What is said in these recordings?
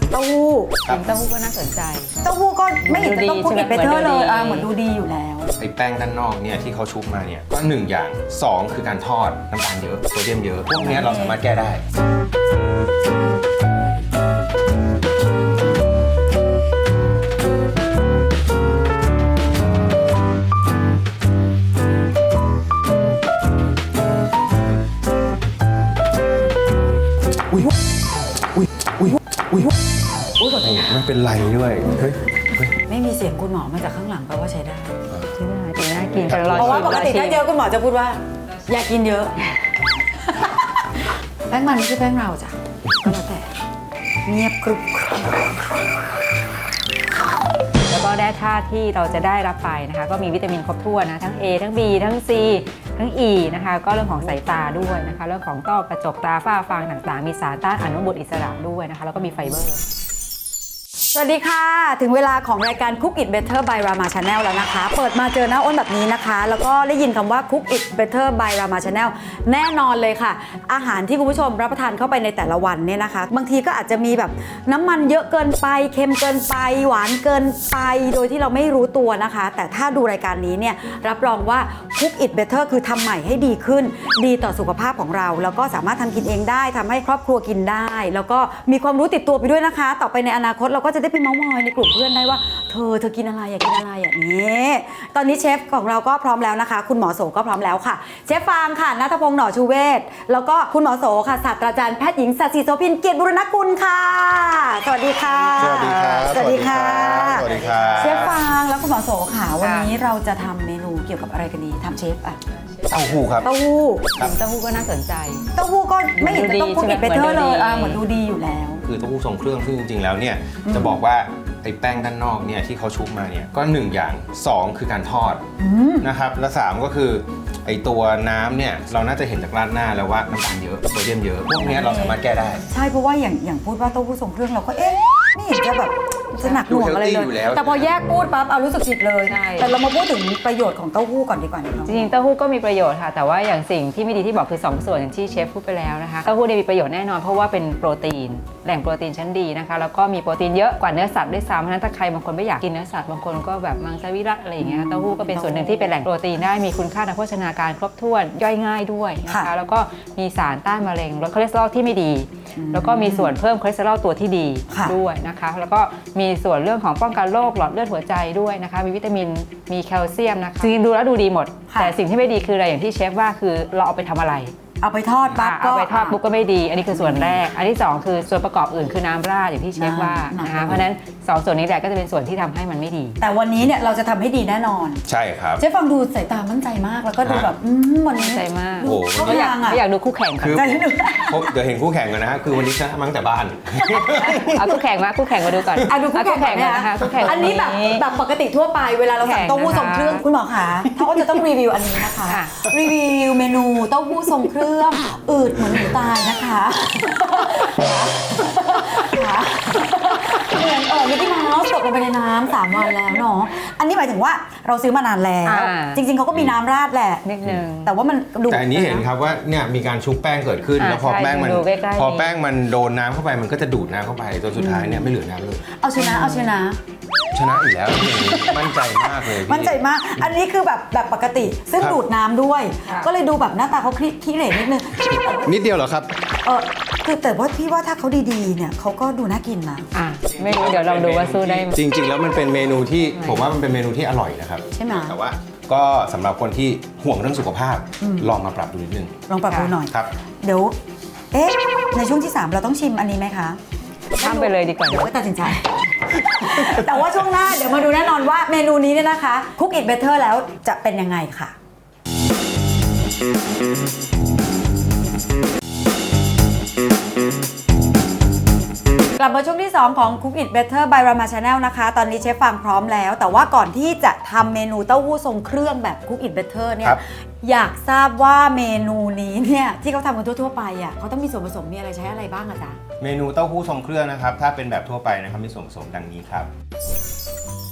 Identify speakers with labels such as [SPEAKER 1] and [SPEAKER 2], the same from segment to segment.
[SPEAKER 1] เต้าหู้
[SPEAKER 2] เต้าหู้ก็น่าสนใจ
[SPEAKER 1] เต้าหู้ก็ไม่เห็นจะต้องคุกอิทเบเตอร์เลยเหมือนดูดีอยู่แล้ว
[SPEAKER 3] ไอ้แป้งด้านนอกเนี่ยที่เขาชุบมาเนี่ยก็1อย่าง2คือการทอดน้ำตาลเยอะโซเดียมเยอะพวกนี้เราสามารถแก้ได้ไม่เป็นไรด้วยเฮ้ย
[SPEAKER 1] ไม่มีเสียงคุณหมอมาจากข้างหลังแปลว่าใช้ได้
[SPEAKER 2] จริงน่ากิน
[SPEAKER 1] เพราะว่าปกติถ้าเยอะคุณหมอจะพูดว่าอย่ากินเยอะแป้งมันไม่ใช่แป้งเราจ้ะก็แล้วแต่เงียบกรุบ
[SPEAKER 2] แล้วก็แร่ธาตุที่เราจะได้รับไปนะคะก็มีวิตามินครบถ้วนนะทั้ง A ทั้ง B ทั้ง C ทั้ง E นะคะก็เรื่องของสายตาด้วยนะคะเรื่องของต้อกระจกตาฝ้าฟางต่างๆมีสารต้านอนุมูลอิสระด้วยนะคะแล้วก็มีไฟเบอร์
[SPEAKER 1] สวัสดีค่ะถึงเวลาของรายการ Cook It Better by Rama Channel แล้วนะคะเปิดมาเจอหน้าอ้นแบบนี้นะคะแล้วก็ได้ยินคำว่า Cook It Better by Rama Channel แน่นอนเลยค่ะอาหารที่คุณผู้ชมรับประทานเข้าไปในแต่ละวันเนี่ยนะคะบางทีก็อาจจะมีแบบน้ำมันเยอะเกินไปเค็มเกินไปหวานเกินไปโดยที่เราไม่รู้ตัวนะคะแต่ถ้าดูรายการนี้เนี่ยรับรองว่า Cook It Better คือทำใหม่ให้ดีขึ้นดีต่อสุขภาพของเราแล้วก็สามารถทำกินเองได้ทำให้ครอบครัวกินได้แล้วก็มีความรู้ติดตัวไปด้วยนะคะต่อไปในอนาคตเราก็จะได้ไปเม้าท์มอยในกลุ่มเพื่อนได้ว่าเธอกินอะไรอยากกินอะไรอย่างนี้ตอนนี้เชฟของเราก็พร้อมแล้วนะคะคุณหมอโสก็พร้อมแล้วค่ะเชฟฟางค่ะณัฐพงษ์หน่อชูเวศแล้วก็คุณหมอโสค่ะศาสตราจารย์แพทย์หญิงศศิโสภินเกียรติบุรณกุลค่ะสวัสดีค่ะ
[SPEAKER 3] สวัสดีครับ
[SPEAKER 1] สวัสดีค่ะ
[SPEAKER 3] สวัสดีค่ะ
[SPEAKER 1] เชฟฟางแล้วคุณหมอโสค่ะวันนี้เราจะทำเมนูเกี่ยวกับอะไรกันดีทำเชฟอะ
[SPEAKER 3] เต้าหู้ครับ
[SPEAKER 1] เต้าหู้
[SPEAKER 2] เต้าหู้ก็น่าสนใจ
[SPEAKER 1] เต้าหู้ก็ไม่เห็นจะต้องคุกอิทเบเตอร์เลยเหมือนดูดีอยู่แล้ว
[SPEAKER 3] คือเต้าหู้ทรงเครื่องซึ่งจริงๆแล้วเนี่ยจะบอกว่าไอ้แป้งด้านนอกเนี่ยที่เขาชุบมาเนี่ยก็1อย่าง2คือการทอดนะครับและ3ก็คือไอ้ตัวน้ำเนี่ยเราน่าจะเห็นจากราดหน้าแล้วว่าน้ำตาลเยอะโซเดียมเยอะพวกนี้เราสามารถแก้ได้
[SPEAKER 1] ใช่เพราะว่าอย่างพูดว่าเต้าหู้ทรงเครื่องเราก็ไม่เห็นจะแบบจะหนักหน่วงอะไรเลยแต่พอแยกพูดปั๊บเอารู้สึกผิดเลยแต่เรามาพูดถึงประโยชน์ของเต้าหู้ก่อนดีกว่า
[SPEAKER 2] จริงๆเต้าหู้ก็มีประโยชน์ค่ะแต่ว่าอย่างสิ่งที่ไม่ดีที่บอกคือ2ส่วนอย่างที่เชฟพูดไปแล้วนะคะเต้าหู้มีประโยชน์แน่นอนเพราะว่าเป็นโปรตีนแหล่งโปรตีนชั้นดีนะคะแล้วก็มีโปรตีนเยอะกว่าเนื้อสัตว์ด้วยซ้ำเพราะฉะนั้นถ้าใครบางคนไม่อยากกินเนื้อสัตว์บางคนก็แบบมังสวิรัติอะไรอย่างเงี้ยเต้าหู้ก็เป็นส่วนหนึ่งที่เป็นแหล่งโปรตีนได้มีคุณค่าทางโภชนาการครบถ้วนย่อยง่ายด้วยนะคะแล้วก็มีสารต้านมะเร็งลดคอเลสเตอรอลที่ไม่ดีแล้วก็มีส่วนเพิ่มคอเลสเตอรอลตัวที่ดีด้วยนะคะแล้วก็มีส่วนเรื่องของป้องกันโรคหลอดเลือดหัวใจด้วยนะคะมีวิตามินมีแคลเซียมนะคะจริงๆดูแล้วดูดีหมดแต่สิ่งที่ไม่ดีคืออะไรอย่างที่เชฟว่าคือเราเอาไปทำอะไร
[SPEAKER 1] เอาไปทอดปั๊บ
[SPEAKER 2] ก็เอาไปทอดปุ๊บก็ไม่ดีอันนี้คือส่วนแรกอันที่2คือส่วนประกอบอื่นคือน้ำราดอย่างที่เชฟว่านะคะเพราะฉะนั้น2ส่วนนี้แหละก็จะเป็นส่วนที่ทำให้มันไม่ดี
[SPEAKER 1] แต่วันนี้เนี่ยเราจะทำให้ดีแน่นอน
[SPEAKER 3] ใช่ครับ
[SPEAKER 1] เชฟฟังดูสายตามั่นใจมากแล้วก็ดูแบบวันนี้
[SPEAKER 2] ใจมาก
[SPEAKER 3] โอ้
[SPEAKER 2] ไม่อยากดูคู่แข่ง
[SPEAKER 3] คือเดี๋ยวเห็นคู่แข่งกันนะฮะคือวันนี้ชนะมั้งแต่บ้าน
[SPEAKER 2] เอาคู่แข่งมาดูก่อน
[SPEAKER 1] ดูคู่แข่งนะคะอันนี้แบบปกติทั่วไปเวลาเราสั่งเต้าหู้ทรงเครื่องคุณหมอคะถ้าก็จะต้องรีวิวอันนี้นะคะรีวิวเมนูเต้าหู้ทรงเครื่องอืดเหมือนหมูตายนะคะเหมือนมิกกี้เมาส์ตกลงไปในน้ำ3 วันแล้วเนาะอันนี้หมายถึงว่าเราซื้อมานานแล้วจริงๆเขาก็มีน้ำราดแหละ
[SPEAKER 2] นิดนึง
[SPEAKER 1] แต่ว่ามันดู
[SPEAKER 3] แต่อันนี้เห็นครับว่าเนี่ยมีการชุบแป้งเกิดขึ้นแล้วพอแป้งมันโดนน้ำเข้าไปมันก็จะดูดน้ำเข้าไปจนสุดท้ายเนี่ยไม่เหลือน้ำเลย
[SPEAKER 1] เอาชนะ
[SPEAKER 3] อีกแล้วมั่นใจมากเลย
[SPEAKER 1] มั่นใจมากอันนี้คือแบบปกติซึ่งดูดน้ำด้วยก็เลยดูแบบหน้าตาเขาขี้เหร่นิดนึง
[SPEAKER 3] นิดเดียวเหรอครับ
[SPEAKER 1] คือแต่ว่าพี่ว่าถ้าเขาดีๆเนี่ยเขาก็ดูน่ากินนะ
[SPEAKER 2] ไม่รู้เดี๋ยวลองดูว่าสู้ได้
[SPEAKER 3] จริงๆแล้วมันเป็นเมนูที่ผมว่ามันเป็นเมนูที่อร่อยนะครับ
[SPEAKER 1] ใช่ไหม
[SPEAKER 3] แต่ว่าก็สำหรับคนที่ห่วงเรื่องสุขภาพลองมาปรับดูนิดนึง
[SPEAKER 1] ลองปรับดูหน่อย
[SPEAKER 3] ครับ
[SPEAKER 1] เดี๋ยวในช่วงที่3เราต้องชิมอันนี้ไหมคะ
[SPEAKER 2] ทำไปเลยดีกว่า
[SPEAKER 1] เดี๋ยวก็ตัดสินใจแต่ว่าช่วงหน้าเดี๋ยวมาดูแน่นอนว่าเมนูนี้เนี่ยนะคะ Cook It Better แล้วจะเป็นยังไงค่ะกลับมาช่วงที่2ของ Cook It Better by Rama Channel นะคะตอนนี้เชฟฟางพร้อมแล้วแต่ว่าก่อนที่จะทำเมนูเต้าหู้ทรงเครื่องแบบ Cook It Better เนี่ยอยากทราบว่าเมนูนี้เนี่ยที่เขาทำกันทั่วๆไปอ่ะเขาต้องมีส่วนผสมมีอะไรใช้อะไรบ้างอะจ๊ะ
[SPEAKER 3] เมนูเต้าหู้ทรงเครื่องนะครับถ้าเป็นแบบทั่วไปนะครับมีส่วนผสมดังนี้ครับ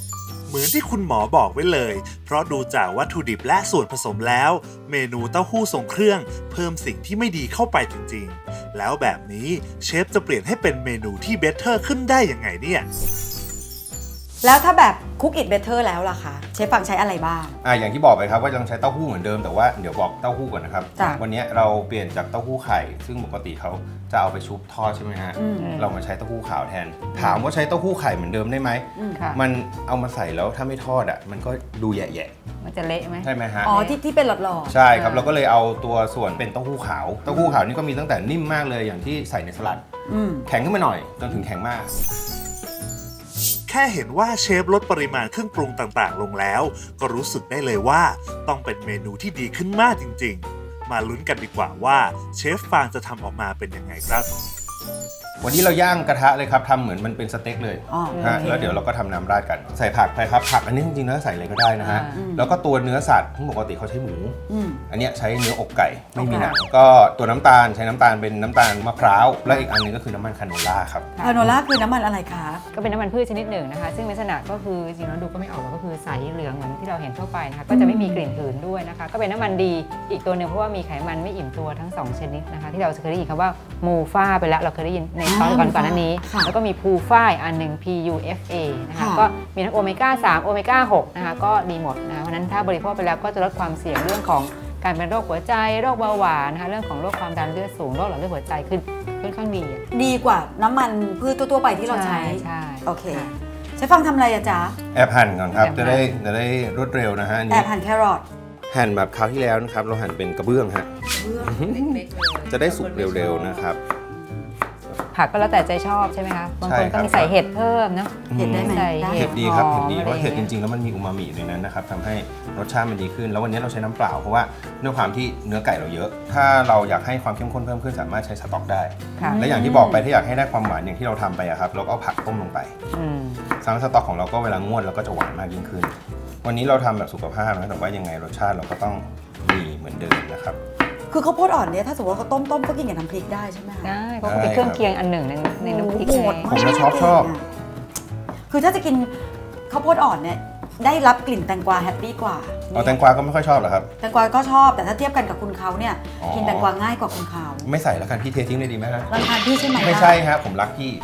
[SPEAKER 4] เหมือนที่คุณหมอบอกไว้เลย เพราะดูจากวัตถุดิบและส่วนผสมแล้ว เมนูเต้าหู้ทรงเครื่องเพิ่มสิ่งที่ไม่ดีเข้าไปจริงๆ แล้วแบบนี้เชฟจะเปลี่ยนให้เป็นเมนูที่เบเตอร์ขึ้นได้ยังไงเนี่ย
[SPEAKER 1] แล้วถ้าแบบคุกอิ t เบเตอร์แล้วล่ะคะเชฟฟังใช้อะไรบ้าง
[SPEAKER 3] อย่างที่บอกไปครับว่ายังใช้เต้าหู้เหมือนเดิมแต่ว่าเดี๋ยวบอกเต้าหู้ก่อนนะครับ
[SPEAKER 1] จ้ะ
[SPEAKER 3] วันนี้เราเปลี่ยนจากเต้าหู้ไข่ซึ่งปกติเขาจะเอาไปชุบทอดใช่ไหมฮะ
[SPEAKER 1] อืม
[SPEAKER 3] เรามาใช้เต้าหู้ขาวแทน ถามว่าใช้เต้าหู้ไข่เหมือนเดิมได้ไหม
[SPEAKER 2] ค่ะ
[SPEAKER 3] มันเอามาใส่แล้วถ้าไม่ทอดมันก็ดูแย่
[SPEAKER 2] มันจะเละไหม
[SPEAKER 3] ๆใช่ไหมฮะ
[SPEAKER 1] อ๋อที่เป็นหลอด
[SPEAKER 3] ใช่ครับเราก็เลยเอาตัวส่วนเป็นเต้าหู้ขาวเต้าหู้ขาวนี่ก็มีตั้งแต่นิ่มมากเลยอย่างที่ใส่ในสลัด
[SPEAKER 1] ๆอืม
[SPEAKER 3] แข็งขึ้นมาหน่อยจนถึงแข็งมาก
[SPEAKER 4] แค่เห็นว่าเชฟลดปริมาณเครื่องปรุงต่างๆ ลงแล้ว ก็รู้สึกได้เลยว่าต้องเป็นเมนูที่ดีขึ้นมากจริงๆ มาลุ้นกันดีกว่าว่าเชฟฟางจะทำออกมาเป็นยังไงครับ
[SPEAKER 3] วันนี้เราย่างกระทะเลยครับทำเหมือนมันเป็นสเต็กเลย
[SPEAKER 1] อ๋อ
[SPEAKER 3] ฮะ
[SPEAKER 1] โอเค
[SPEAKER 3] แล้วเดี๋ยวเราก็ทำน้ำราดกันใส่ผักไปครับผักอันนี้จริงๆแล้วใส่อะไรก็ได้นะฮะ
[SPEAKER 2] อืม
[SPEAKER 3] แล้วก็ตัวเนื้อสัตว์ที่ปกติเขาใช้หมู
[SPEAKER 1] อืม
[SPEAKER 3] อันเนี้ยใช้เนื้ออกไก่ไม่มี
[SPEAKER 1] อกไก่
[SPEAKER 3] หนังก็ตัวน้ำตาลใช้น้ำตาลเป็นน้ำตาลมะพร้าวและอีกอันหนึงก็คือน้ำมันคาโนล่าครับ
[SPEAKER 1] คาโนล่าคือน้ำมันอะไรคะ
[SPEAKER 2] ก็เป็นน้ำมันพืชชนิดหนึ่งนะคะ ซึ่งลักษณะก็คือจริงๆแล้วดูก็ไม่ออกหรอกก็คือใสเหลืองเหมือนที่เราเห็นทั่วไปนะคะ ก็จะไม่มีกลิ่นหืนด้วยนะคะ ก็เป็นน้ำมันดีอีกตัวหนึ่งเพราะว่ามีไขมันไม่อิ่มตัวทั้ง 2 ชนิดนะคะ ที่เราเคยได้ยินคำว่ามูฟ่าไปแล้วเราเคยได้ยินในตอนก่อนหน้านี้
[SPEAKER 1] ค่ะ
[SPEAKER 2] แล้วก็มีพูฟ่าอีกอันหนึ่ง PUFA นะคะ
[SPEAKER 1] ค่ะ
[SPEAKER 2] ก็มีทั้งโอเมก้า 3 โอเมก้า 6 นะคะ ก็ดีหมดนะคะเพราะฉะนั้นถ้าบริโภคไปแล้วก็จะลดความเสี่ยงเรื่องของการเป็นโรคหัวใจ โรคเบาหวานนะคะ เรื่องของโรคความดันเลือดสูง โรคหลอดเลือดหัวใจคือค่อนข้างดีอะ
[SPEAKER 1] ดีกว่าน้ำมันพืชทั่วๆไปที่เราใช้
[SPEAKER 2] ใช่
[SPEAKER 1] โอเค
[SPEAKER 2] ค่ะ
[SPEAKER 1] เชฟฟังทำอะไรอะจ๊ะ
[SPEAKER 3] แอบหั่นก่อนครับ
[SPEAKER 2] แอบหั่
[SPEAKER 3] จะ
[SPEAKER 2] น
[SPEAKER 3] ได้รวดเร็วนะฮะอัน
[SPEAKER 1] แอ
[SPEAKER 3] นี้
[SPEAKER 1] บหั่นแครอท
[SPEAKER 3] หั่นแบบคราวที่แล้วนะครับเราหั่นเป็นกระเบื้องฮะ
[SPEAKER 1] เบื้อง
[SPEAKER 3] จะได้สุกเร็วๆนะครับ
[SPEAKER 2] ผักก็แล้วแต่ใจชอบใช่ไหมคะ บางคน
[SPEAKER 3] ใช่ครั
[SPEAKER 2] ก็
[SPEAKER 3] บ
[SPEAKER 2] มีใส่เห็ดเพิ่มเนอะ
[SPEAKER 1] เห็ดได้ไหม
[SPEAKER 2] ใส่
[SPEAKER 1] ได้
[SPEAKER 3] เห็ดดีครับ
[SPEAKER 2] หอ
[SPEAKER 3] เห็ด
[SPEAKER 2] ม
[SPEAKER 3] ดีเพราะ
[SPEAKER 2] อะไร
[SPEAKER 3] เห็ดจ
[SPEAKER 2] อย่างเงี้ย
[SPEAKER 3] ริงๆแล้วมันมีอูมามิในนั้นนะครับทำให้รสชาติมันดีขึ้น แล้ววันนี้เราใช้น้ำเปล่าเพราะว่าด้วยความที่เนื้อไก่เราเยอะ ถ้าเราอยากให้ความเข้มข้นเพิ่มขึ้นสามารถใช้สต๊อกได้
[SPEAKER 2] ค่ะ
[SPEAKER 3] และอย่างที่บอกไปถ้าอยากให้ได้ความหวานอย่างที่เราทำไปอะครับเราก็เอาผักต้มลงไป
[SPEAKER 2] อืม
[SPEAKER 3] ซ้ำสต๊อกของเราก็เวลางวดเราก็จะหวานมากยิ่งขึ้น วันนี้เราทำแบบสุขภาพนะแต่ว่ายังไงรสชาติเราก็ต้องมีเหมือนเดิมนะครับ
[SPEAKER 1] คือข้าวโพดอ่อนเนี่ยถ้าสมมติว่าเขาต้มก็กินกับน้ำพริกได้ใช่ไหมคะ
[SPEAKER 2] ได้เพราะเขาเป็นเครื่องเคียงอันหนึ่งในน้ำพริก
[SPEAKER 1] โหด
[SPEAKER 2] ไง
[SPEAKER 1] มาก
[SPEAKER 3] ผมก็ชอบ
[SPEAKER 1] คือถ้าจะกินข้าวโพดอ่อนเนี่ยได้รับกลิ่นแตงกวาแฮปปี้กว่า
[SPEAKER 3] เอาแตงกวาก็ไม่ค่อยชอบเหรอครับ
[SPEAKER 1] แตงกวาก็ชอบแต่ถ้าเทียบกันกับคุณเขาเนี่ย
[SPEAKER 3] อ๋อ
[SPEAKER 1] กินแตงกวาง่ายกว่าคุณเขา
[SPEAKER 3] ไม่ใส่แล้วกันพี่เททิ้งเลยดีไหมฮะ
[SPEAKER 1] รังคาญพี่ใช่ไหม
[SPEAKER 3] ไม่ใช่ครับผมรักพี่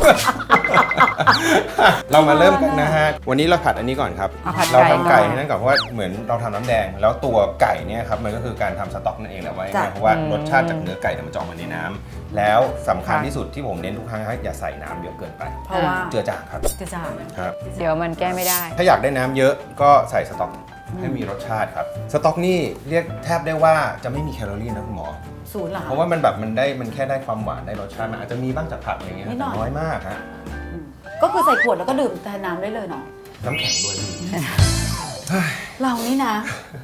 [SPEAKER 3] เรามาเริ่มกันนะฮะ วันนี้เราผัดอันนี้ก่อนครับ
[SPEAKER 2] เอาผัด
[SPEAKER 3] เรา
[SPEAKER 2] ไก่
[SPEAKER 3] ทำไก่
[SPEAKER 2] ก่อน
[SPEAKER 3] ให้นั่นก่อนเพราะว่าเหมือนเราทำน้ำแดง แล้วตัวไก่เนี่ยครับมันก็คือการทำสต๊อกนั่นเองแหละว่าง่ายๆเพราะว่ารสชาติจากเนื้อไก่เนี่ยมันจะออกมาในน้ำแล้วสำคัญที่สุดที่ผมเน้นทุกครั้งให้อย่าใส่น้ำเยอะเกินไป
[SPEAKER 1] เพราะว่า
[SPEAKER 3] เจือจางครับ
[SPEAKER 1] จะจาง
[SPEAKER 3] ครับ
[SPEAKER 2] เดี๋ยวมันแก้ไม่ได้
[SPEAKER 3] ถ้าอยากได้น้ำเยอะก็ใส่สต๊อกให้มีรสชาติครับ สต๊อกนี่เรียกแทบได้ว่าจะไม่มีแคลอรี่นะคุณหมอ
[SPEAKER 1] ศูนย์เหรอ
[SPEAKER 3] เพ
[SPEAKER 1] คะ
[SPEAKER 3] ราะว่ามันแค่ได้ความหวานได้รสชาติมันอาจจะมีบ้างจากผักอะไรเงี้ย
[SPEAKER 1] นิดหน่
[SPEAKER 3] แต่
[SPEAKER 1] อย
[SPEAKER 3] น้อยมากฮะ
[SPEAKER 1] อืมก็คือใส่ขวดแล้วก็ดื่มแทนน้ำได้เลยเนาะ
[SPEAKER 3] น้ำแข็งด้วยพี่
[SPEAKER 1] เรานี่นะ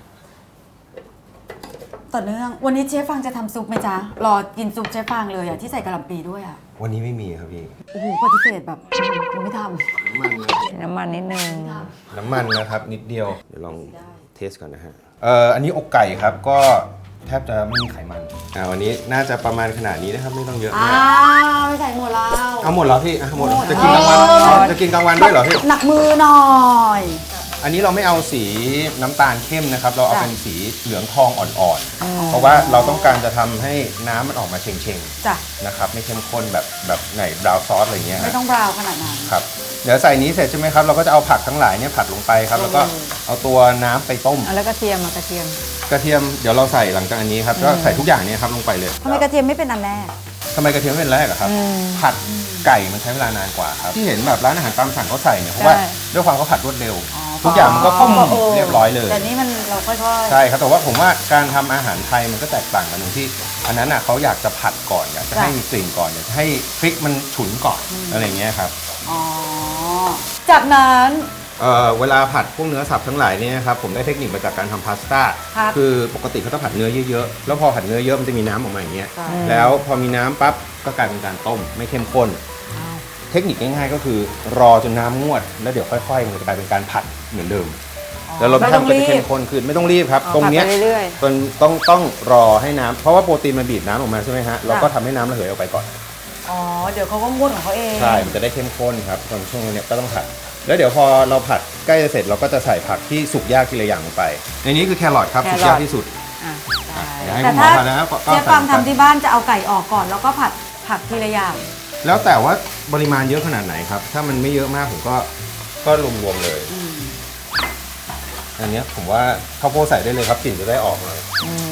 [SPEAKER 1] ต่อเนื่องวันนี้เชฟฟังจะทำซุปไหมจ๊ะรอกินซุปเชฟฟังเลยอะที่ใส่กระหล่ำปีด้วยอะ
[SPEAKER 3] วันนี้ไม่มีครับพี่
[SPEAKER 1] โอ้โหปฏิเสธแบบยังไม่ท
[SPEAKER 2] น้ำมันนิดนึง
[SPEAKER 3] น้ำมันนะครับนิดเดียว เดี๋ยวลองเทสก่อนนะฮะ อันนี้อกไก่ครับก็แทบจะไม่มีไขมันวันนี้น่าจะประมาณขนาดนี้นะครับไม่ต้องเยอะ
[SPEAKER 1] ำ
[SPEAKER 3] มาก
[SPEAKER 1] ไม่ใส่หมดแล้ว
[SPEAKER 3] เอาหมดแล้วพี่อ่ะหมดแล้ว
[SPEAKER 1] หมด
[SPEAKER 3] จะกินกลางวัน
[SPEAKER 1] เออ
[SPEAKER 3] จะกินกลางวันด้วยเหรอพี่
[SPEAKER 1] หนักมือหน่อย
[SPEAKER 3] อันนี้เราไม่เอาสีน้ำตาลเข้มนะครับ เราเอา
[SPEAKER 1] จ้ะ
[SPEAKER 3] เป็นสีเหลืองทองอ่อนๆ เพราะว่าเราต้องการจะทำให้น้ำมันออกมาเชง
[SPEAKER 1] จ้ะ
[SPEAKER 3] ๆนะครับไม่เข้มข้นแบบไหนบราวน์ซอสอะไรเงี้ยฮะ
[SPEAKER 1] ไม่ต้องบราวน์ขนาดนั้น
[SPEAKER 3] ครับเดี๋ยวใส่นี้เสร็จใช่ไหมครับเราก็จะเอาผักทั้งหลายเนี่ยผัดลงไปครับแล้วก็เอาตัวน้ำไปต้ม
[SPEAKER 2] แล้วก็เทียมมากระเทียม
[SPEAKER 3] กระเทียมเดี๋ยวเราใส่หลังจากอันนี้ครับก็ใส่ทุกอย่างเนี่ยครับลงไปเลย
[SPEAKER 1] ทำไมกระเทียมไม่เป็นอันแรก
[SPEAKER 3] ทำไมกระเทียมไม่เป็นแรกอะครับ ผัดไก่มันใช้เวลานานกว่าครับที่เห็นแบบร้านอาหารตามสั่งเขาใส่เนี่ยเพราะว่า
[SPEAKER 2] ใช่
[SPEAKER 3] ด้วยความเขาผัดรวดเร็ว ทุกอย่างมันก็คล่องเรียบร้อยเลย
[SPEAKER 1] แต่นี่มันเราค่อยๆ
[SPEAKER 3] ใช่ครับแต่ว่าผมว่าการทำอาหารไทยมันก็แตกต่างกันตรงที่ อันนั้นน่ะเขาอยากจะผัดก่อนอยากจะให้มีกลิ่นก่อนอยากจะให้พริกมันฉุนก่อนอะไรอย่างเงี้ยครับ
[SPEAKER 1] อ๋อ จากนั้น
[SPEAKER 3] เวลาผัดพวกเนื้อสับทั้งหลายเนี่ยครับผมได้เทคนิคมาจากการทำพาสต้า
[SPEAKER 1] ครับ
[SPEAKER 3] คือปกติเขาต้องผัดเนื้อเยอะๆแล้วพอผัดเนื้อเยอะมันจะมีน้ำออกมาอย่างเงี้ย
[SPEAKER 1] ครับ
[SPEAKER 3] แล้วพอมีน้ำปั๊บก็กลายเป็นการต้มไม่เข้มข้น เทคนิคง่ายๆก็คือรอจนน้ำงวด แล้วเดี๋ยวค่อยๆมันจะกลายเป็นการผัดเหมือนเดิม แล้วรสชาติมันก็จะเข้มข้นขึ้นไม่ต้องรีบครับ ตรงเนี้ย
[SPEAKER 2] ผัดไปเรื่อย
[SPEAKER 3] ต้องรอให้น้ำเพราะว่าโปรตีนมันบีบน้ำออกมาใช่ไหมฮะเราก็ทำให้น้ำระเหยออกไปก่อน
[SPEAKER 1] อ๋อเดี๋ยวเขาก็ม้วนของเขาเอง
[SPEAKER 3] ใช่ มันจะได้เข้มข้นครับตอนช่วงนี้ก็ต้องผัด แล้วเดี๋ยวพอเราผัดใกล้จะเสร็จเราก็จะใส่ผักที่สุกยากทีละอย่างลงไป ในนี้คือแครอทครับ สุกยากที่สุด
[SPEAKER 2] อ่ะได้
[SPEAKER 3] เดี๋ยวให้
[SPEAKER 1] แต่
[SPEAKER 3] คุณหม
[SPEAKER 1] ถ้า
[SPEAKER 3] อผัดนะครับก็
[SPEAKER 1] เจ๊ฟังทำที่บ้านจะเอาไก่ออกก่อน แล้วก็ผัดผักทีละอย่าง
[SPEAKER 3] แล้วแต่ว่าปริมาณเยอะขนาดไหนครับ ถ้ามันไม่เยอะมากผมก็รวมๆเลย อันเนี้ยผมว่าข้าวโพดใส่ได้เลยครับกลิ่นจะได้ออกหน่อย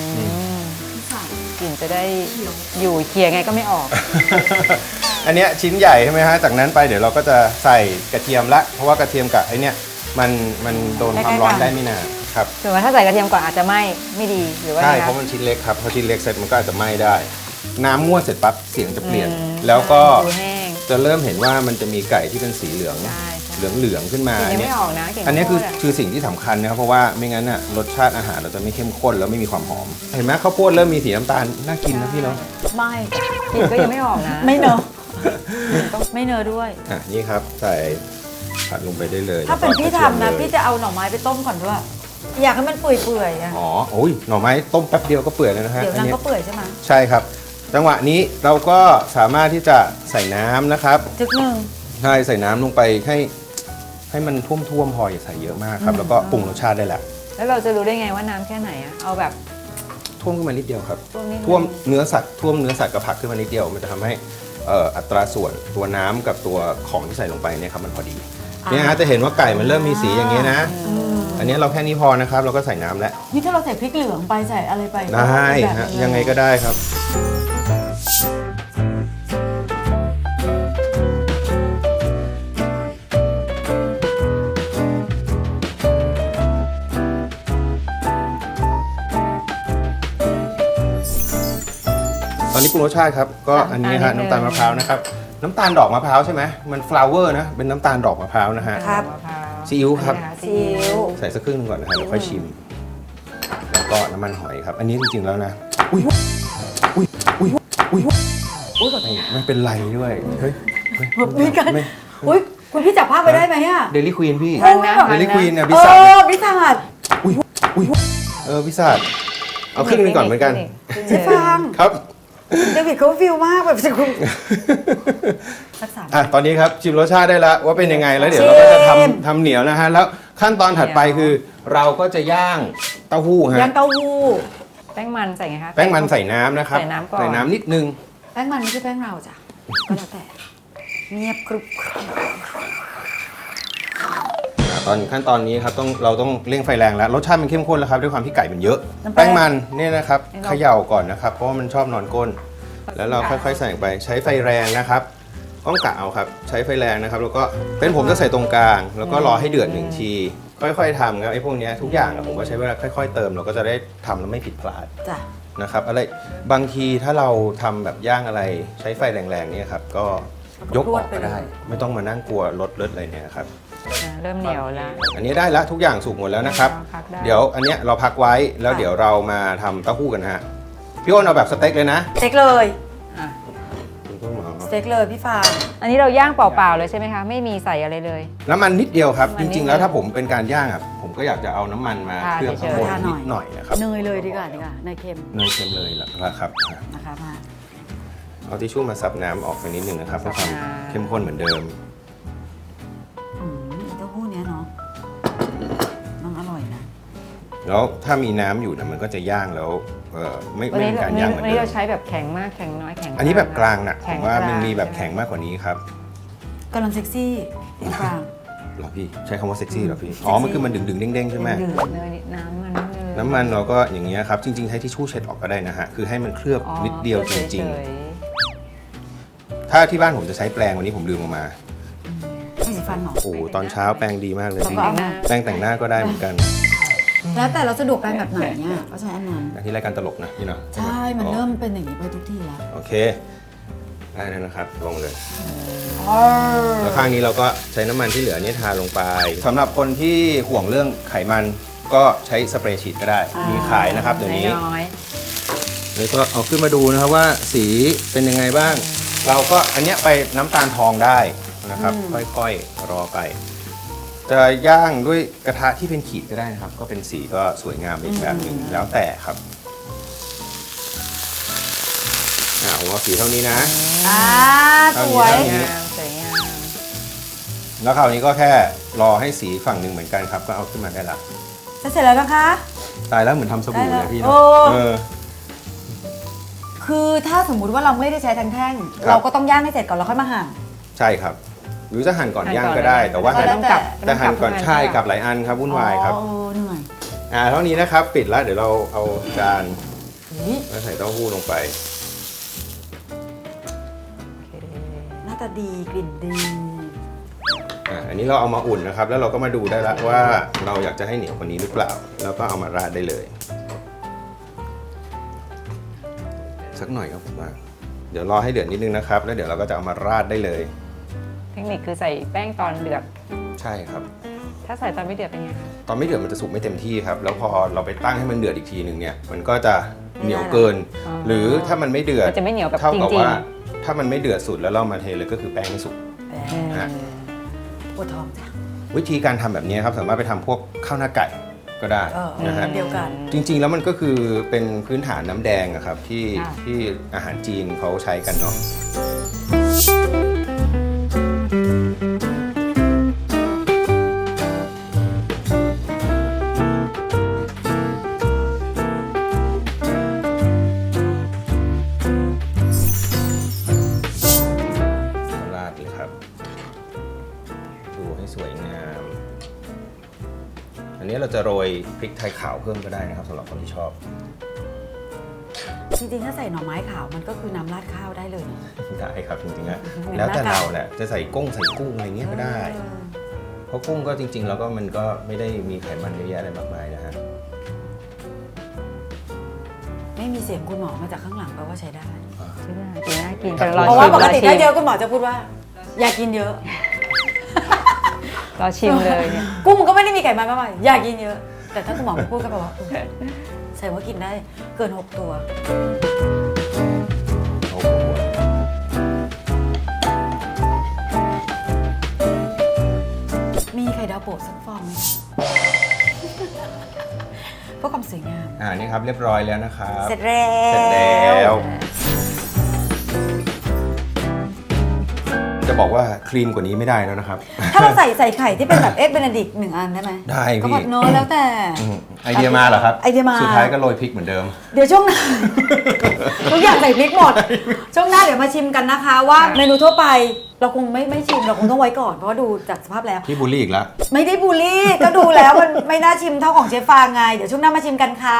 [SPEAKER 2] กลิ่นจะได้อยู่เคี่ยไงก็ไม่ออก
[SPEAKER 3] อันเนี้ยชิ้นใหญ่ใช่ไหมฮะ จากนั้นไปเดี๋ยวเราก็จะใส่กระเทียมละ เพราะว่ากระเทียมกับไอเนี้ยมันโดนความร้อนได้ไม่นานครับ
[SPEAKER 2] ถึงว่าถ้าใส่กระเทียมก่อนอาจจะไม่ดีหรือว่า
[SPEAKER 3] ใช่
[SPEAKER 2] ไง
[SPEAKER 3] เพ
[SPEAKER 2] คะ
[SPEAKER 3] ราะมันชิ้นเล็กครับ พอชิ้นเล็กเสร็จมันก็อาจจะไหม้ได้ น้ำม้วนเสร็จปั๊บเสียงจะเปลี่ยน แล้วก็
[SPEAKER 2] ดูแห้ง
[SPEAKER 3] จะเริ่มเห็นว่ามันจะมีไก่ที่เป็นสีเหลือง
[SPEAKER 2] ใช่ใช่
[SPEAKER 3] เหลืองขึ้นมา
[SPEAKER 2] กลิ่นยัง
[SPEAKER 3] เนี้
[SPEAKER 2] ไม่ออกนะกลิ่น
[SPEAKER 3] อันเนี้ยคือ
[SPEAKER 2] ข้าวโพดะ
[SPEAKER 3] คือสิ่งที่สำคัญนะครับเพราะว่าไม่งั้นน่ะรสชาติอาหารเราจะไม่เข้มข้นแล้วไม่มีความหอม เห็นไหมข้าวโพดเริ่มมีสีน้ำตาลน่ากินนะพี่เนาะ
[SPEAKER 1] ไม่
[SPEAKER 2] กลิ่นก็ยังไม่ออกนะ
[SPEAKER 1] ไม่เนอะไม่เนอะด้วย
[SPEAKER 3] อ่ะนี่ครับใส่ผัดลงไปได้เลย
[SPEAKER 1] ถ้าเป็นพี่
[SPEAKER 3] แล้วก็กร
[SPEAKER 1] ทำนะ
[SPEAKER 3] ทียมเลย
[SPEAKER 1] พี่จะเอาหน่อไม้ไปต้มก่อนด้วย อยากให้มันเปื่อยๆอะ
[SPEAKER 3] อ๋อโอ้ยหน่อไม้ต้มแป๊บเดียวก็เปื่อยเลยนะฮะ
[SPEAKER 1] เดี๋ยว
[SPEAKER 3] อัน
[SPEAKER 1] นาง
[SPEAKER 3] นี้
[SPEAKER 1] ก็เปื่อยใช่ไหม
[SPEAKER 3] ใช่ครับ จังหวะนี้เราก็สามารถที่จะใส่น้ำนะครับ
[SPEAKER 1] จึกหนึ่ง
[SPEAKER 3] ใช่ใส่น้ำลงไปให้มันท่วมๆพออย่าใส่เยอะมากครับ แล้วก็ปรุงรสชาติได้แหละ
[SPEAKER 2] แล้วเราจะรู้ได้ไงว่าน้ำแค่ไหนอะเอาแบบ
[SPEAKER 3] ท่วมขึ้นมานิดเดียวครับ
[SPEAKER 2] ท่วมนิดนึง
[SPEAKER 3] ท่วมเนื้อสัตว์กับผักขึ้นมานิดเดียว มันจะทำให้อัตราส่วนตัวน้ำกับตัวของที่ใส่ลงไปเนี่ยครับมันพอดีเนี่ยฮะจะเห็นว่าไก่มันเริ่มมีสีอย่างเงี้ยนะ อันนี้เราแค่นี้พอนะครับ เราก็ใส่น้ำแล้ว
[SPEAKER 1] นี่ถ้าเราใส่พริกเหลืองไปใส่อะไรไป
[SPEAKER 3] ได้
[SPEAKER 1] แบบ
[SPEAKER 3] ฮะ
[SPEAKER 1] นี้
[SPEAKER 3] ยังไงก็ได้ครับ ตอนนี้ปรุงรสชาติครับ ก็อันนี้ฮะน้ำตาลมะพร้าวนะครับ น้ำตาลดอกมะพร้าวใช่ไหมมันฟลาวเวอร์นะ เป็นน้ำตาลดอกมะพร้าวนะฮะ
[SPEAKER 1] ครับ
[SPEAKER 2] มะพร้าว
[SPEAKER 3] ซีอิ๊วครับ
[SPEAKER 2] ซีอิ๊ว
[SPEAKER 3] ใส่สักครึ่งหนึงก่อนนะฮะเดี๋ยวค่อยชิม แล้วก็น้ำมันหอยครับ อันนี้จริงๆแล้วนะ อุ้ยไม่เป็นไรด้วย เฮ้ย
[SPEAKER 1] มีกันอุ้ยคุณพี่จับภาพไปได้ไหมอะ
[SPEAKER 3] เดลี่ควีนพี่
[SPEAKER 2] ทันนะ
[SPEAKER 3] เดลี่ควีนเนี่ย
[SPEAKER 1] เอ
[SPEAKER 3] พิซซ่า
[SPEAKER 1] อพิซซ่า
[SPEAKER 3] อุ้ยพิซซ่าเอาครึ่งหนึงก่อนเหมือนกัน
[SPEAKER 1] เจ๊ฟัง
[SPEAKER 3] ครับ
[SPEAKER 1] เดวิดเขาฟิลมากแบบจะคุณสักสาม
[SPEAKER 3] อ่ะตอนนี้ครับชิมรสชาติได้แล้วว่าเป็นยังไงแล้วเดี๋ยวเราก็จะ
[SPEAKER 1] ชิม
[SPEAKER 3] ทำเหนียวนะฮะแล้วขั้นตอนถัดไปคือ เราก็จะย่างเต้าหู้ฮะ
[SPEAKER 1] ย่างเต้าหู้
[SPEAKER 2] แป้งมันใส่ไงคะ
[SPEAKER 3] แป้งมันใส่น้ำนะครับ
[SPEAKER 2] ใส่น้ำก่อน
[SPEAKER 3] ใส่น้ำนิดนึง
[SPEAKER 1] แป้งมันไม่ใช่แป้งเราจ้ะก็แล้วแต่เงียบกรุบกรอบ
[SPEAKER 3] ตอนขั้นตอนนี้ครับเราต้องเร่งไฟแรงแล้วรสชาติมันเข้มข้นแล้วครับด้วยความที่ไก่มันเยอะ แป้งมันเนี่ยนะครับเขย่าก่อนนะครับเพราะว่ามันชอบนอนก้น แล้วเราค่อยๆใส่ไปใช้ไฟแรงนะครับต้องกะเอาครับใช้ไฟแรงนะครับแล้วก็เป็นผมจะใส่ตรงกลาง แล้วก็รอให้เดือด1 ที ค่อยๆทำครับไอ้พวกเนี้ยทุกอย่างอะผมก็ใช้เวลาค่อยๆเติมเราก็จะได้ทำแล้วไม่ผิดพลาด
[SPEAKER 1] จ้ะ
[SPEAKER 3] นะครับอะไรบางทีถ้าเราทำแบบย่างอะไรใช้ไฟแรงๆเนี่ยครับก็ยกออกก็ได้ ไม่ต้องมานั่งกลัวรถเลิศอะไรเนี่ยครับ
[SPEAKER 2] เริ่มเหนียวแล้ว
[SPEAKER 3] อันนี้ได้แล้วทุกอย่างสุกหมดแล้วนะครับ
[SPEAKER 2] พักได้
[SPEAKER 3] เดี๋ยวอันเนี้ยเราพักไว้แล้วเดี๋ยวเรามาทำเต้าหู้กันนะฮะพี่อ้นเอาแบบสเต็กเลยนะ
[SPEAKER 1] สเต็กเลย
[SPEAKER 2] อ่ะ
[SPEAKER 3] คุณต้นหมอ
[SPEAKER 1] สเต็กเลยพี่ฟาง
[SPEAKER 2] อันนี้เราย่างเปล่าๆเลยใช่ไหมคะ ไม่มีใส่อะไรเลย
[SPEAKER 3] น้ำมันนิดเดียวครับ
[SPEAKER 2] น้ำมันนิด
[SPEAKER 3] จริงๆ แล้วถ้าผมเป็นการย่างอ่ะผมก็อยากจะเอาน้ำมันมา
[SPEAKER 2] ทา
[SPEAKER 3] เคลือบข้างบน
[SPEAKER 1] เฉยๆ
[SPEAKER 3] นิดหน่อยนะครับ
[SPEAKER 1] เนยเลยดีกว่าเนยเค็ม
[SPEAKER 3] เนยเค็มเลยละครับ
[SPEAKER 1] นะคะมา
[SPEAKER 3] เอาทิชชู่มาซับน้ำออกไปนิดนึงนะครับเพื่อความเข้มข้นเหมือนเดิม
[SPEAKER 1] เต้าหู้เนี้ยเนาะมันอร่อยนะ
[SPEAKER 3] แล้วถ้ามีน้ำอยู่เนี่ยมันก็จะย่างแล้วไม่
[SPEAKER 2] วัน
[SPEAKER 3] ไม่
[SPEAKER 2] นี้
[SPEAKER 3] เป็นการย่างเหมือน
[SPEAKER 2] วันนี้
[SPEAKER 3] เดิ
[SPEAKER 2] เรา
[SPEAKER 3] ม
[SPEAKER 2] ใช้แบบแข็งมากแข็งน้อยแข็ง
[SPEAKER 3] อันนี้แบบกลางนะผ
[SPEAKER 2] แข็ง
[SPEAKER 3] มว่ามัน
[SPEAKER 2] กลาง
[SPEAKER 3] มีแบบแข็งมากกว่านี้ครับ
[SPEAKER 1] กำลังเซ็กซี่พี่ฟาง
[SPEAKER 3] เหรอพี่ใช้คำว่าเซ็กซี่เหรอพี่อ๋อมันคือมันดึงๆเด้งๆใช่ไหม
[SPEAKER 1] ดึง
[SPEAKER 2] เนยน้ำมัน
[SPEAKER 3] น้ำมันเราก็อย่างเงี้ยครับจริงๆใช้ทิชชู่เช็ดออกก็ได้นะฮะคือให้มันเคลือบนิดเดียวจริงๆถ้าที่บ้านผมจะใช้แปรงวันนี้ผมลืมออกมา
[SPEAKER 1] ไม่สีฟันหรอ
[SPEAKER 3] โอ้โหตอนเช้าแปรงดีมากเลย
[SPEAKER 1] แล้ว
[SPEAKER 3] พี่
[SPEAKER 1] ก็เอามา
[SPEAKER 3] แปรงแต่งหน้าก็ได้เหมือนกัน
[SPEAKER 1] แล้วแต่เราสะดวกแปรงแบบไหนเนี่ยก็ใช้อันนั้น
[SPEAKER 3] อย่างที่รายการตลกนะพี่เนาะ
[SPEAKER 1] ใช่มันเริ่มเป็นอย่างนี้ไปทุกที่แล้ว
[SPEAKER 3] โอเคได้แล้วนะครับลงเลยแล้วข้างนี้เราก็ใช้น้ำมันที่เหลือนี่ทาลงไปสำหรับคนที่ห่วงเรื่องไขมันก็ใช้สเปรย์ฉีดก็ได้ มีขายนะครับเดี๋ยวนี้
[SPEAKER 2] น้อย
[SPEAKER 3] แล้วก็เอาขึ้นมาดูนะครับว่าสีเป็นยังไงบ้าง เราก็อันเนี้ยไปน้ำตาลทองได้นะครับ ค่อยๆรอไป จะย่างด้วยกระทะที่เป็นขีดก็ได้นะครับ ก็เป็นสีก็สวยงามอีกแบบหนึ่งแล้วแต่ครับโอ้ของเราสีเท่านี้นะ
[SPEAKER 1] สวย
[SPEAKER 2] งามสวยงาม
[SPEAKER 3] แล้วคราวนี้ก็แค่รอให้สีฝั่งหนึ่งเหมือนกันครับก็เอาขึ้นมาได้ละ
[SPEAKER 1] จะเสร็จแล้วนะคะ
[SPEAKER 3] ตายแล้วเหมือนทำสบู่
[SPEAKER 1] ได้
[SPEAKER 3] เล
[SPEAKER 1] แล้ว
[SPEAKER 3] ยพี่
[SPEAKER 1] โอ้
[SPEAKER 3] เนาะ
[SPEAKER 1] คือถ้าสมมุติว่าเราไม่ได้ใช้ทั้งแท่ง
[SPEAKER 3] ครับ
[SPEAKER 1] เราก็ต้องย่างให้เสร็จก่อนแล้วค่อยมาหั่น
[SPEAKER 3] ใช่ครับ หรือจะหั่นก่อน
[SPEAKER 2] หั่น
[SPEAKER 3] ย่าง
[SPEAKER 2] ก่อน
[SPEAKER 3] ก็ได้
[SPEAKER 2] เลย
[SPEAKER 3] แต่ว่า
[SPEAKER 1] ก็
[SPEAKER 3] หั่น
[SPEAKER 1] แล้วแต่
[SPEAKER 3] แต่หั่นก่อนใช่กับหลายอันครับวุ่นวายครับ
[SPEAKER 1] อ๋อเหนื่อย
[SPEAKER 3] เท่านี้นะครับปิดแล้วเดี๋ยวเราเอาจาน
[SPEAKER 1] นี่
[SPEAKER 3] มาใส่เต้าหู้ลงไป
[SPEAKER 2] โอเค
[SPEAKER 1] หน้าตาดีกลิ่นดี
[SPEAKER 3] อันนี้เราเอามาอุ่นนะครับ แล้วเราก็มาดูได้ละว่าเราอยากจะให้เหนียวกว่านี้หรือเปล่า แล้วก็เอามาราดได้เลย สักหน่อยครับผมว่าเดี๋ยวรอให้เดือดนิดนึงนะครับ แล้วเดี๋ยวเราก็จะเอามาราดได้เลย
[SPEAKER 2] เทคนิคคือใส่แป้งตอนเดือด
[SPEAKER 3] ใช่ครับ
[SPEAKER 2] ถ้าใส่ตอนไม่เดือดเป็นไงคะ
[SPEAKER 3] ตอนไม่เดือดมันจะสุกไม่เต็มที่ครับ แล้วพอเราไปตั้งให้มันเดือดอีกทีหนึ่งเนี่ย มันก็จะเหนียวเกิน หรือถ้ามันไม่เดือด
[SPEAKER 2] มันจะไม่เหนียวแบบ
[SPEAKER 3] เท่า
[SPEAKER 2] จ
[SPEAKER 3] กับ
[SPEAKER 2] ริง
[SPEAKER 3] ว่าถ้ามันไม่เดือดสุดแล้วเรามาเทเลยก็คือแป้งไม่สุก
[SPEAKER 2] ๆ
[SPEAKER 3] ฮะ
[SPEAKER 1] ปวดท้องจ้ะ
[SPEAKER 3] วิธีการทำแบบนี้ครับสามารถไปทำพวกข้าวหน้าไก่ก็ได้ นะฮะ
[SPEAKER 1] เดียวกัน
[SPEAKER 3] จริงๆ แล้วมันก็คือเป็นพื้นฐานน้ำแดงอะครับที่อาหารจีนเขาใช้กันเนาะราดเลยครับ ดูให้สวยงาม อันนี้เราจะโรยพริกไทยขาวเพิ่มก็ได้นะครับสำหรับคนที่ชอบ
[SPEAKER 1] จริงๆ ถ้าใส่หน่อไม้ขาวมันก็คือน้ำราดข้าวได้เลยนะ
[SPEAKER 3] ได้ครับจริงๆนะแล้วแต่เราแหละจะใส่กุ้งอะไรเงี้ยก็ได้ เพราะกุ้งก็จริงๆ แล้วก็มันก็ไม่ได้มีไขมันเยอะแยะอะไรมากมายนะฮะ
[SPEAKER 1] ไม่มีเสียงคุณหมอมาจากข้างหลังแปลว่าใช้ได้
[SPEAKER 2] ไม่ได้กินน่ากิน
[SPEAKER 3] ครับ
[SPEAKER 2] แต่รอ
[SPEAKER 1] เพราะว่า
[SPEAKER 2] ชิม
[SPEAKER 1] ปกติ
[SPEAKER 2] รอ
[SPEAKER 1] ถ้า
[SPEAKER 2] ชิ
[SPEAKER 1] เย
[SPEAKER 2] ม
[SPEAKER 1] อะคุณหมอจะพูดว่า อย่ากินเยอะ
[SPEAKER 2] รอชิมเลยเนี่ย
[SPEAKER 1] กุ้งก็ไม่ได้มีไขมันมากมายอย่ากินเยอะ แต่ถ้าคุณหมอพูดก็แปลว่าใส่ว่ากินได้เกิน 6 ตัว
[SPEAKER 3] โอ้โห
[SPEAKER 1] มีไข่ดาวโปะสักฟองไหมเพื่อความสวยงาม
[SPEAKER 3] นี่ครับเรียบร้อยแล้วนะครับ
[SPEAKER 1] เสร็จแล้ว
[SPEAKER 3] เสร็จแล้ว จะบอกว่าคลีนกว่านี้ไม่ได้แล้วนะครับ
[SPEAKER 1] ถ้าเราใส่ไข่ที่เป็นแบบเอ็กเบนดิก1 อันได้ไหม
[SPEAKER 3] ได้พี่
[SPEAKER 1] ก็แบบเนอะแล้วแต่
[SPEAKER 3] ไอเดียมาเหรอครับ
[SPEAKER 1] ไอเดียมา
[SPEAKER 3] สุดท้ายก็โรยพริกเหมือนเดิม
[SPEAKER 1] เดี๋ยวช่วงหน้า ทุกอย่างใส่พริกหมด ช่วงหน้าเดี๋ยวมาชิมกันนะคะว่าเมนูทั่วไปเราคงไม่ชิมเราคงต้องไว้ก่อนเพราะว่าดูจากสภาพแล้ว
[SPEAKER 3] พี่บูลลี่อีกแล้ว
[SPEAKER 1] ไม่ได้บูลลี่ ก็ดูแล้วมันไม่น่าชิมเท่าของเชฟฟางไง เดี๋ยวช่วงหน้ามาชิมกันค่ะ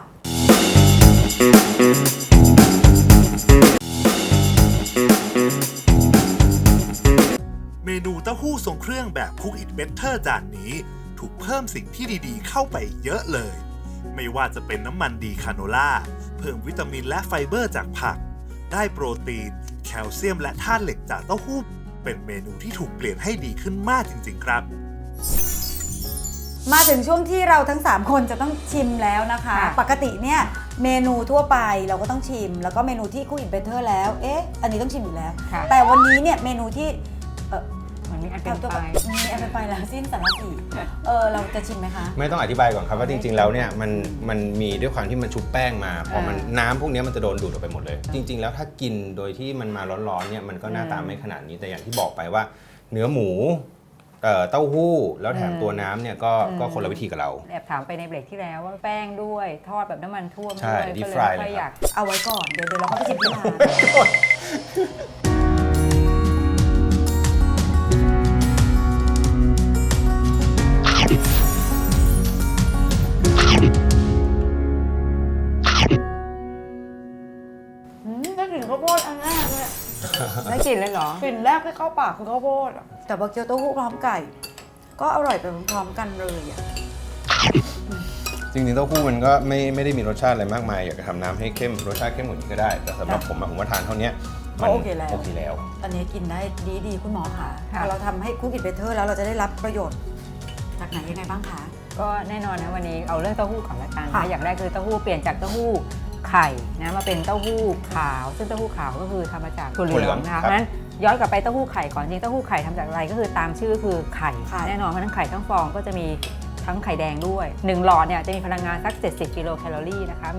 [SPEAKER 4] เมนูเต้าหู้ทรงเครื่องแบบ Cook It Better จานนี้ ถูกเพิ่มสิ่งที่ดีๆ เข้าไปเยอะเลย ไม่ว่าจะเป็นน้ำมันดีคาโนล่า เพิ่มวิตามินและไฟเบอร์จากผัก ได้โปรตีน แคลเซียมและธาตุเหล็กจากเต้าหู้ เป็นเมนูที่ถูกเปลี่ยนให้ดีขึ้นมากจริงๆครับ
[SPEAKER 1] มาถึงช่วงที่เราทั้ง 3 คนจะต้องชิมแล้วนะคะ
[SPEAKER 2] ค่ะ
[SPEAKER 1] ปกติเนี่ยเมนูทั่วไปเราก็ต้องชิม แล้วก็เมนูที่ Cook It Better แล้วอันนี้ต้องชิมอยู่แล้ว
[SPEAKER 2] ค่ะ
[SPEAKER 1] แต่วันนี้เนี่ยเมนูที่
[SPEAKER 2] เหมือนมีอันเป็นไป
[SPEAKER 1] มีอันเป็นไปแล้วสิ้นสารสีเราจะชิมไหมคะ
[SPEAKER 3] ไม่ต้องอธิบายก่อนครับว่าจริงๆ แล้วเนี่ยมันมีด้วยความที่มันชุบแป้งมาพอมันน้ำพวกนี้มันจะโดนดูดออกไปหมดเลย จริง ๆ แล้วถ้ากินโดยที่มันมาร้อนๆเนี่ยมันก็หน้าตาไม่ขนาดนี้แต่อย่างที่บอกไปว่า เนื้อหมูเต้าหู้แล้วแถมตัวน้ำเนี่ยก็คนละวิธีกับเรา
[SPEAKER 2] แอบถามไปในเบรกที่แล้วว่าแป้งด้วยทอดแบบน้ำมันท่วม
[SPEAKER 3] ใช่
[SPEAKER 2] ด้วย
[SPEAKER 3] deep
[SPEAKER 2] ก็
[SPEAKER 3] fry
[SPEAKER 2] ไม่ค่อย
[SPEAKER 3] เลยครับ
[SPEAKER 2] อยาก
[SPEAKER 1] เอาไว้ก่อนเดี๋ยวเราก็ไปชิมที่ร้าน ได้กลิ่นข้าวโพดอันแรกเลย
[SPEAKER 2] ได้กลิ่นเลยเหรอก
[SPEAKER 1] ลิ่นแรกที่เข้าปากคือข้าวโพดอะแต่พอเคี้ยวเต้าหู้พร้อมไก่ ก็อร่อยไปพร้อมๆกันเลยอ่ะ
[SPEAKER 3] จริงๆเต้าหู้มันก็ไม่ได้มีรสชาติอะไรมากมายอยากจะทำน้ำให้เข้มรสชาติเข้มกว่านี้ก็ได้ แต่สำหรับผมอะผมว่าทานเท่านี้มัน
[SPEAKER 1] โอเคแล้ว
[SPEAKER 3] โอเคแล้ว
[SPEAKER 1] อันนี้กินได้ดีคุณหมอค่ะพอเราทำให้Cook It Betterแล้วเราจะได้รับประโยชน์จากไหนยังไงบ้างคะ
[SPEAKER 2] ก็แน่นอนนะวันนี้เอาเรื่องเต้าหู้ก่อนละกัน
[SPEAKER 1] ค่ะ
[SPEAKER 2] นะอย่างแรกคือเต้าหู้เปลี่ยนจากเต้าหู้ไข่นะมาเป็นเต้าหู้ขาว ซึ่งเต้าหู้ขาวก็คือทำมาจากถั่วเหลืองนะคะเพราะฉะนั้นย้อนกลับไปเต้าหู้ไข่ก่อนจริงเต้าหู้ไข่ทำจากอะไรก็คือตามชื่อคือไข่แน่นอนเพราะฉะนั้นไข่ทั้งฟองก็จะมีทั้งไข่แดงด้วย1หลอดเนี่ยจะมีพลังงานสัก70 กิโลแคลอรี่นะคะมี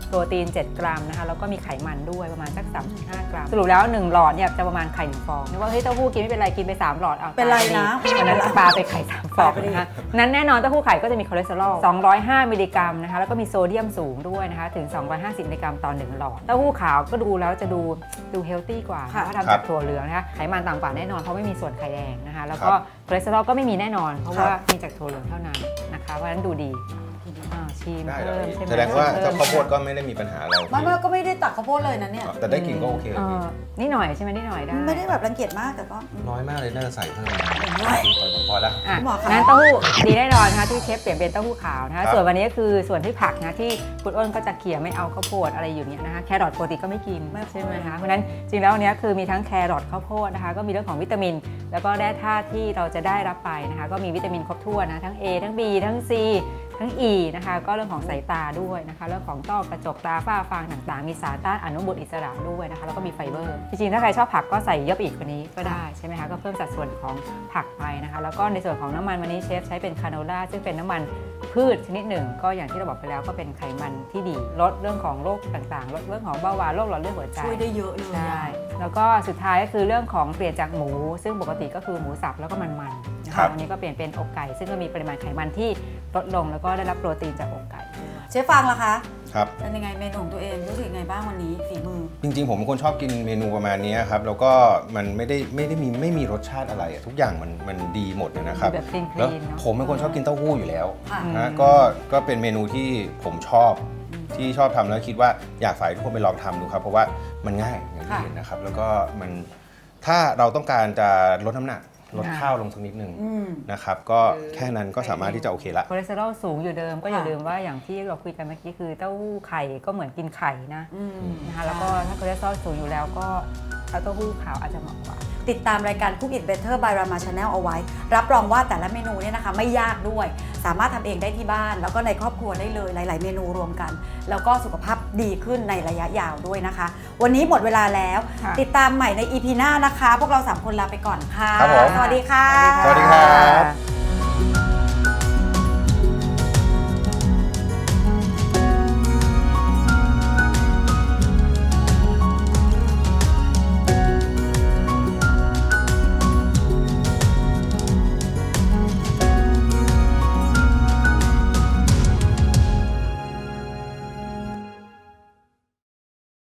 [SPEAKER 2] โปรตีน 7 กรัมนะคะแล้วก็มีไขมันด้วยประมาณสัก 3.5 กรัมสรุปแล้ว1หลอดเนี่ยจะประมาณไข่1ฟองนึกว่าเฮ้ยเต้าหู้กินไม่เป็นไรกินไป3หลอดเอา
[SPEAKER 1] เป็นไรนะ
[SPEAKER 2] วันนั้นปลาไปไข่3ฟองนะคะนั้นแน่นอนเต้าหู้ไข่ก็จะมีคอเลสเตอรอล205มิลลิกรัมนะคะแล้วก็มีโซเดียมสูงด้วยนะคะถึง250มิลลิกรัมต่อ1หลอดเต้าหู้ขาวก็ดูแล้วจะดูเฮลตี้กว่าเพราะทำจากถั่วเหลืองนะคะไขมันต่ำกว่าแน่นอนเพราะไม่มีส่วนไข่แดงนะคะแล้วก็คอเลสเตอรอลก็ไม่มีแน่นอนเพราะว่ามีจากถั่วเหลืองเท่านั้นนะคะเพราะฉะนั้นดูดีชิม
[SPEAKER 3] ได้
[SPEAKER 2] เพิ่ม
[SPEAKER 3] เลย
[SPEAKER 2] ใช่ไหม
[SPEAKER 3] แสดงว่า
[SPEAKER 2] ชิม
[SPEAKER 3] เจ้า
[SPEAKER 2] พิ่
[SPEAKER 3] ข้าวโพดก็ไม่ได้มีปัญหาอะไร
[SPEAKER 1] ไม่ก็ไม่ได้ตักข้าวโพดเลยนะเนี่ย
[SPEAKER 3] แต่ได้กลิ่นก็โอเค
[SPEAKER 2] นิดหน่อยใช่ไหมนิดหน่อยได้
[SPEAKER 1] ไม่ได้แบบรังเกียจมากแต่ก็
[SPEAKER 3] น้อยมากเลยน่าจะใส่เพิ่ม
[SPEAKER 1] น้อย
[SPEAKER 3] พอแล้ว
[SPEAKER 2] อ่ะ
[SPEAKER 1] คุณหมอคะ
[SPEAKER 2] งั้นเต้าหู้ดีแน่นอนนะคะที่เชฟเปลี่ยนเป็นเต้าหู้ขาวนะ
[SPEAKER 3] ครั
[SPEAKER 2] คะ
[SPEAKER 3] บ
[SPEAKER 2] ส่วนวันนี้ก็คือส่วนที่ผักนะที่คุณอ้นก็จะเขี่ยไม่เอาข้าวโพดอะไรอยู่เนี่ยนะคะแครอทปกติก็ไม่กินใช่ไหมคะเพราะฉะนั้นจริงแล้ววันนี้คือมีทั้งแครอทข้าวโพดนะคะก็มีเรื่องของวิตามิน แล้วก็แร่ธาตุที่เราจะได้รับไปนะคะก็มีวิตามินครบถ้วนนะทั้ง A ทั้ง B ทั้ง C ทั้ง E นะคะก็เรื่องของสายตาด้วยนะคะเรื่องของต้อกระจกตาฝ้าฟางต่างๆ มีสารต้านอนุมูลอิสระด้วยนะคะแล้วก็มีไฟเบอร์จริงๆถ้าใครชอบผักก็ใส่เยอะไปอีกกว่านี้ก็ได้ใช่ไหมคะก็เพิ่มสัดส่วนของผักไปนะคะแล้วก็ในส่วนของน้ำมันวันนี้เชฟใช้เป็นคาโนล่าซึ่งเป็นน้ำมันพืชชนิดหนึ่งก็อย่างที่เราบอกไปแล้วก็เป็นไขมันที่ดีลดเรื่องของโรคต่างๆลดเรื่องของเบาหวานโรคหลอดเลือดหัวใจ
[SPEAKER 1] ช่วยได้เยอะเลย
[SPEAKER 2] ใช่
[SPEAKER 1] อะ
[SPEAKER 2] แล้วก็สุดท้ายก็คือเรื่องของเปลี่ยนจากหมู ซึ่งปกติก็คือหมูสับแล้วก็มันๆนะ
[SPEAKER 3] ครั
[SPEAKER 2] คะ
[SPEAKER 3] บ
[SPEAKER 2] วันนี้ก็เปลี่ยนเป็นอกไก่ ซึ่งก็มีปริมาณไขมันที่ลดลงแล้วก็ได้รับโปรตีนจากอกไก่
[SPEAKER 1] เชฟฟังล่ะคะ
[SPEAKER 3] ครับ
[SPEAKER 1] เป็นยังไงเมนูของตัวเองรู้สึกยังไงบ้างวันนี้ฝีมือ
[SPEAKER 3] จริงๆผมเป็นคนชอบกินเมนูประมาณนี้ครับแล้วก็มันไม่มีรสชาติอะไรอะทุกอย่างมันดีหมดเลยนะครับ
[SPEAKER 2] แบบคลีนๆ
[SPEAKER 3] แล้ว
[SPEAKER 2] เนอะ
[SPEAKER 3] ผมเป็นคนชอบกินเต้าหู้อยู่แล้ว
[SPEAKER 1] ค่ะ
[SPEAKER 3] นะก็เป็นเมนูที่ผมชอบที่ชอบทำแล้วคิดว่าอยากฝากให้ทุกคนไปลองทำดูครับเพราะว่ามันง่ายอย่างที่เห็นนะครับแล้วก็มันถ้าเราต้องการจะลดน้ำหนักลดข้าวลงสักนิดนึง
[SPEAKER 1] อืม
[SPEAKER 3] นะครับก็แค่นั้นก็สามารถที่จะโอเคละ
[SPEAKER 2] คอเลสเตอรอลสูงอยู่เดิมก็อย่า
[SPEAKER 1] ค่ะ
[SPEAKER 2] ลืมว่าอย่างที่เราคุยกันเมื่อกี้คือเต้าหู้ไข่ก็เหมือนกินไข่นะ
[SPEAKER 1] อืม
[SPEAKER 2] นะคะแล้วก็ถ้าคอเลสเตอรอลสูงอยู่แล้วก็เอาเต้าหู้ขาวอาจจะเหมาะกว่า
[SPEAKER 1] ติดตามรายการ Cook It Better by Rama Channel เอาไว้ รับรองว่าแต่ละเมนูเนี่ยนะคะไม่ยากด้วย สามารถทำเองได้ที่บ้าน แล้วก็ในครอบครัวได้เลยหลาย ๆ เมนูรวมกัน แล้วก็สุขภาพดีขึ้นในระยะยาวด้วยนะคะ วันนี้หมดเวลาแล้ว
[SPEAKER 2] ค่ะ
[SPEAKER 1] ติดตามใหม่ใน EP หน้านะคะ พวกเรา 3 คนลาไปก่อนค่ะ
[SPEAKER 3] ครับผม
[SPEAKER 1] สวัสดีค่ะ
[SPEAKER 3] สวัสดีครับ